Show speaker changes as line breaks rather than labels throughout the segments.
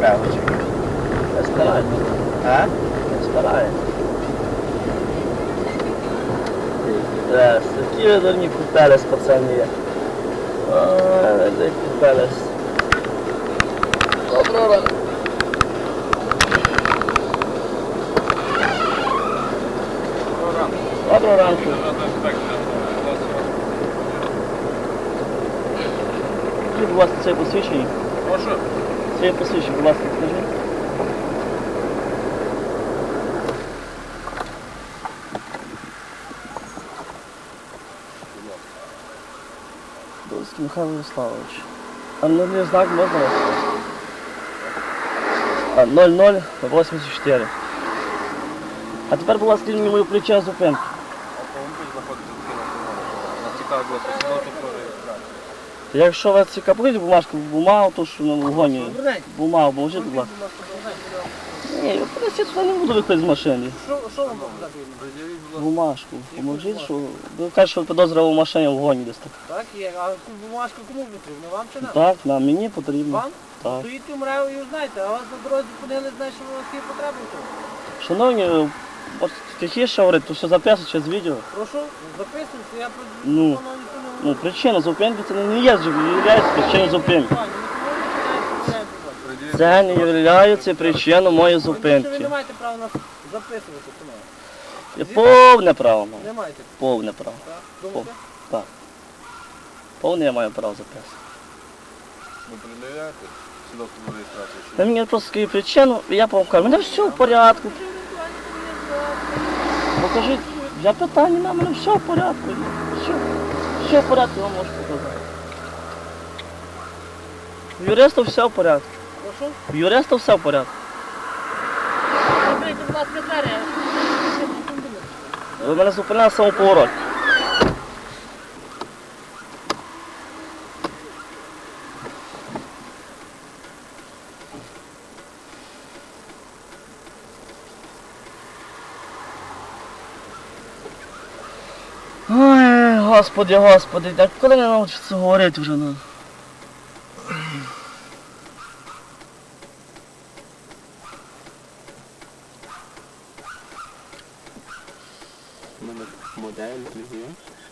певочок.
Не старається.
А?
Не старається. Такі дурні купелес, пацани є. Ой, де купелес. Доброго ранку. Доброго ранку. Скажіть, будь ласка, це посвідчення?
Прошу.
Це посвідчення, будь ласка, скажіть. Дольський Михайло Ярославович. А номерний знак можна? 0084. А тепер, будь ласка, мені мою ключа зупинки.
Автомобіль знаходиться на цікаві було свідоцтво про реєстрацію.
Якщо вас цікавить бумагу, то що на вгоні. Бумагу, поможіть, будь ласка. Ні, я сюди не буду виходити з машини.
Що вам показати?
Бумажку, поможіть, що... Ви кажете, що підозра в машині в вгоні десь так.
Так, є. А бумажка кому потрібна? Вам чи нам?
Так, нам, мені потрібно.
Вам?
Так.
Стоїть у МРЕО і знаєте, а вас на дорозі зупинили, знаєте, що у вас є потреби в тому?
Шановні, от тихіше говорити, то все записується через відео.
Прошу, записуйте, я про
Ну,
ніхто не
Ну, причина зупинки це не є причиною зупинки. Це не є причиною моєї
Ви
зупинки.
не маєте права нас записувати, тому.
Я повне право маю.
Не маєте,
Повне право.
так? Думаєте?
Так. Повне я маю право записувати.
Ви передивляєте свідоцтво про реєстрацію?
Ви мені просто скажіть причину, і я вам кажу, мене все в порядку. Покажіть, я питання, на мене все в порядку. Все в порядку, я вам можу показати. В юриста все в порядку.
Прошу?
В юриста все в порядку.
Закрийте, будь ласка, двері.
Ви мене зупинили на самоповорот. Ой, господи, господи, так коли не навчиться говорити вже, ну?
Модель, клієнт.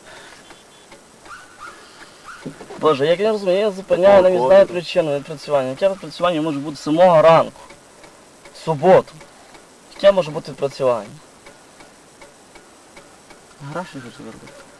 Боже, як я розумію, я зупиняю, навіть знаю причину відпрацювання. Яке відпрацювання може бути з самого ранку, в суботу. Яке може бути відпрацювання? Гроші хочу заробити.